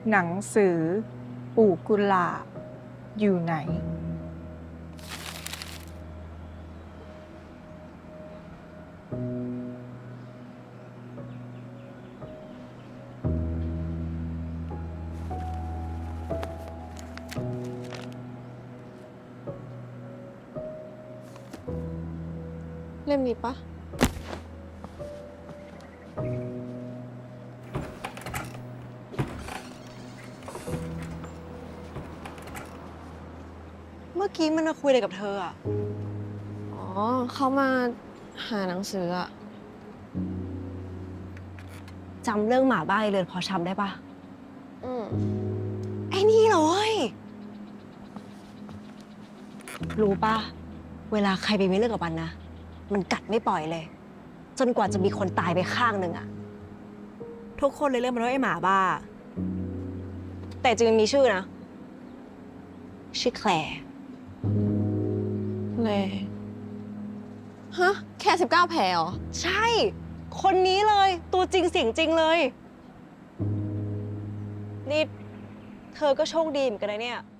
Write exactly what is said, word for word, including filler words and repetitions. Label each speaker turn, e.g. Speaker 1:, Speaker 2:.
Speaker 1: หนังสือปู่กุหลาบอยู่ไหน
Speaker 2: เล่มนี้ปะ
Speaker 3: เมื่อกี้มันมาคุยอะไรกับเธออะ
Speaker 2: อ๋อ เขามาหาหนังสืออะ
Speaker 3: จำเรื่องหมาบ้าไอ้เรือนพอช้ำได้ปะ
Speaker 2: อืม
Speaker 3: ไอ้นี่เหรอเว้ย รู้ปะเวลาใครไปมีเรื่องกับมันนะ มันกัดไม่ปล่อยเลย จนกว่าจะมีคนตายไปข้างหนึ่งอะทุกคนเลยเรียกมันว่าไอ้หมาบ้า แต่จริงมันมีชื่อนะ ชื่อแคลร์
Speaker 2: เลยฮะ แค่สิบเก้าแผลเหรอ
Speaker 3: ใช่ คนนี้เลย ตัวจริงเสียงจริงเลย นี่ เธอก็โชคดีเหมือนกันนะเนี่ย